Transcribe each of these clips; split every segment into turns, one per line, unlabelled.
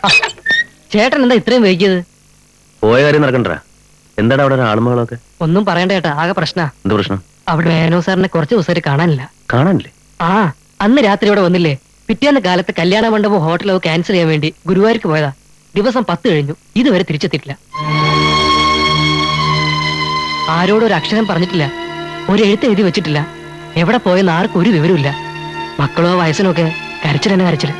ചേട്ടൻ എന്താ ഇത്രയും വൈകിയത്?
പോയ കാര്യം നടക്കണ്ട. എന്താണ് അവിടെ ആളുമകളൊക്കെ?
ഒന്നും പറയണ്ട ചേട്ടാ, ആകെ പ്രശ്ന.
എന്ത് പ്രശ്നം?
അവിടെ മേനോ സാറിനെ കുറച്ച് ദിവസമായിട്ട് കാണാനില്ല.
കാണാനില്ലേ?
ആ, അന്ന് രാത്രി ഇവിടെ വന്നില്ലേ? പിറ്റേന്ന് കാലത്ത് കല്യാണ മണ്ഡപം ഹോട്ടലോ ക്യാൻസൽ ചെയ്യാൻ വേണ്ടി ഗുരുവായൂർക്ക് പോയതാ. ദിവസം 10 കഴിഞ്ഞു, ഇതുവരെ തിരിച്ചെത്തിയിട്ടില്ല. ആരോടും ഒരു അക്ഷരം പറഞ്ഞിട്ടില്ല, ഒരു എഴുത്ത് എഴുതി വെച്ചിട്ടില്ല. എവിടെ പോയെന്ന് ആർക്കും ഒരു വിവരമില്ല. മക്കളോ വയസ്സിനോ ഒക്കെ കരച്ചിൽ തന്നെ കരച്ചില്.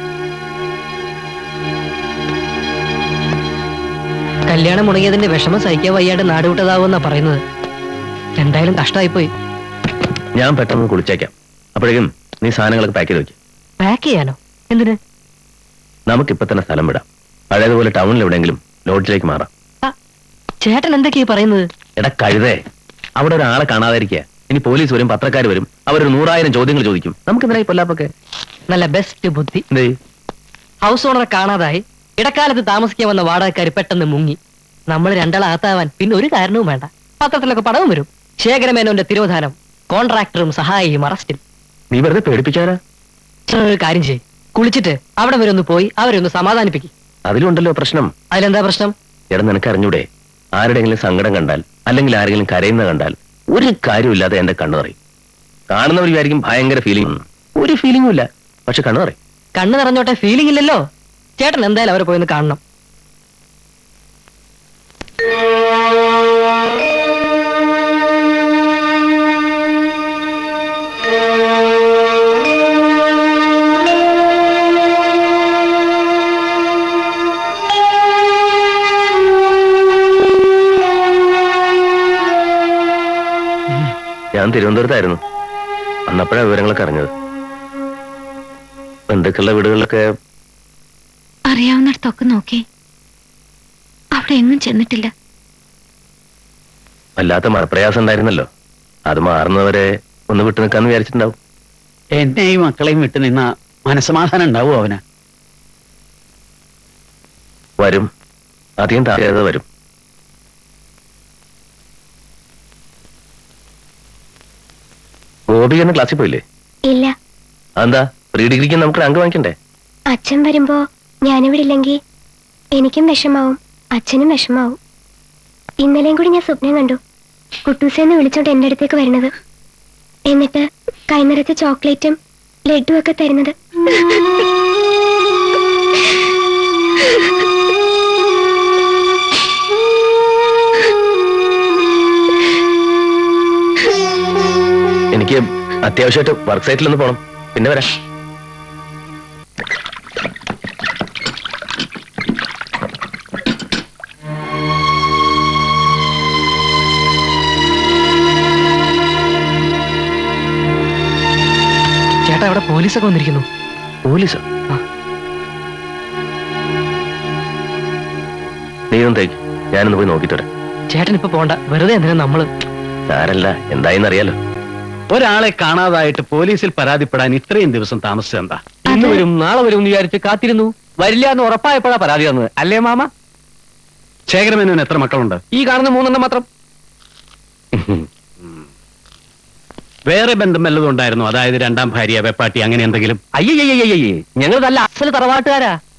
കല്യാണം മുടങ്ങിയതിന്റെ വിഷമം സഹിക്കാൻ വയ്യാണ്ട് നാടുവിട്ടതാവുമെന്നാ പറയുന്നത്. എന്തായാലും കഷ്ടമായിപ്പോയി.
ഞാൻ പെട്ടെന്ന് കുളിച്ചേക്കാം. അപ്പോഴേക്കും നീ സാധനങ്ങളൊക്കെ പാക്ക് ചെയ്ത് വെക്കും.
പാക്ക് ചെയ്യാനോ? എന്തിന്?
നമുക്കിപ്പൊ തന്നെ സ്ഥലം വിടാം. പഴയതുപോലെ ടൗണിൽ എവിടെയെങ്കിലും ലോഡ്ജിലേക്ക് മാറാം.
ചേട്ടൻ എന്തൊക്കെയാ പറയുന്നത്?
എടാ കഴുതേ, അവിടെ ഒരാളെ കാണാതിരിക്കുക. ഇനി പോലീസ് വരും, പത്രക്കാർ വരും, അവരൊരു 100,000 ചോദ്യങ്ങൾ ചോദിക്കും. നമുക്ക് എന്തിനായി പൊല്ലാപ്പൊക്കെ?
നല്ല ബെസ്റ്റ് ബുദ്ധി. ഹൗസ് ഓണറെ കാണാതായി ഇടക്കാലത്ത് താമസിക്കാൻ വന്ന വാടകക്കാർ പെട്ടെന്ന് മുങ്ങി. നമ്മൾ രണ്ടാളാത്താവാൻ പിന്നെ ഒരു കാരണവും വേണ്ട. പത്രത്തിലൊക്കെ പടവും വരും. ശേഖരമേനോന്റെ തിരോധാനം, കോൺട്രാക്ടറും സഹായിയും അറസ്റ്റിൽ.
നീ വെറുതെ പേടിപ്പിക്കാനാ?
ഒരു കാര്യം ചെയ്യ്, കുളിച്ചിട്ട് അവിടെ വരെ ഒന്ന് പോയി അവരെ ഒന്ന് സമാധാനിപ്പിക്കും.
അതിലുണ്ടല്ലോ പ്രശ്നം.
അതിലെന്താ പ്രശ്നം?
എടാ നിനക്ക് അറിഞ്ഞൂടെ, ആരുടെയെങ്കിലും സങ്കടം കണ്ടാൽ അല്ലെങ്കിൽ ആരെങ്കിലും കരയുന്ന കണ്ടാൽ ഒരു കാര്യമില്ലാതെ എന്റെ കണ്ണു നിറയും. കാണുന്നവർ വിചാരിക്കും ഭയങ്കര ഫീലിംഗ്. ഒരു ഫീലിംഗും ഇല്ല, പക്ഷെ കണ്ണു നിറയും.
കണ്ണു നിറഞ്ഞോട്ടെ, ഫീലിംഗ് ഇല്ലല്ലോ. ചേട്ടൻ എന്തായാലും അവരെ പോയി കാണണം.
ഞാൻ തിരുവനന്തപുരത്തായിരുന്നു. അന്നപ്പോഴാണ് വിവരങ്ങളൊക്കെ അറിഞ്ഞത്. ബന്ധുക്കളുടെ വീടുകളിലൊക്കെ
അറിയാവുന്നിടത്തൊക്കെ നോക്കി, അവിടെ എങ്ങും ചെന്നിട്ടില്ല.
വല്ലാത്ത മറപ്രയാസം ഉണ്ടായിരുന്നല്ലോ. അത് മാറുന്നവരെ ഒന്ന് വിട്ടു നിൽക്കാന്ന് വിചാരിച്ചിട്ടുണ്ടാവും.
എന്നെയും മക്കളെയും വിട്ടു നിന്ന മനസ്സമാധാനം ഉണ്ടാവും അവന്.
വരും, അധികം താഴെ വരും. ഗോപി എന്ന ക്ലാസ്സിൽ പോയില്ലേ?
ഇല്ല.
എന്താ, പ്രീ ഡിഗ്രിക്ക് നമുക്ക് റാങ്ക് വാങ്ങിക്കണ്ടേ?
അച്ഛൻ വരുമ്പോ ഞാനിവിടെ ഇല്ലെങ്കിൽ എനിക്കും വിഷമാവും, അച്ഛനും വിഷമാവും. ഇന്നലെയും കൂടി ഞാൻ സ്വപ്നം കണ്ടു, കുട്ടൂസേന്ന് വിളിച്ചോണ്ട് എന്റെ അടുത്തേക്ക് വരുന്നത്. എന്നിട്ട് കൈനിറച്ച് ചോക്ലേറ്റും ലഡുവും ഒക്കെ തരുന്നത്.
എനിക്ക് അത്യാവശ്യമായിട്ട് വർക്ക് സൈറ്റിലൊന്ന് പോണം, പിന്നെ വരാം.
ചേട്ടാ, അവിടെ പോലീസൊക്കെ വന്നിരിക്കുന്നു.
പോലീസോ? നീ ഒന്ന് തേക്ക്, ഞാനൊന്ന് പോയി നോക്കിട്ട് വരാം.
ചേട്ടൻ ഇപ്പൊ പോണ്ട, വെറുതെ എന്തിനാ നമ്മള്.
സാരല്ല, എന്തായെന്നറിയാലോ.
ഒരാളെ കാണാതായിട്ട് പോലീസിൽ പരാതിപ്പെടാൻ ഇത്രയും ദിവസം താമസിച്ചെന്താ?
ഇന്ന് വരും നാളെ വരും എന്ന് വിചാരിച്ച് കാത്തിരുന്നു. വരില്ല എന്ന് ഉറപ്പായപ്പോഴാ പരാതി തന്നത്, അല്ലേ മാമ?
ശേഖരമേനോന് എത്ര മക്കളുണ്ട്?
ഈ കാണുന്ന 3 മാത്രം.
വേറെ ബന്ധം വല്ലതും ഉണ്ടായിരുന്നു? അതായത് രണ്ടാം ഭാര്യ, വെപ്പാട്ടി, അങ്ങനെ എന്തെങ്കിലും?
അയ്യയ്യേ, ഞങ്ങൾ നല്ല അസല് തറവാട്ടുകാരാ.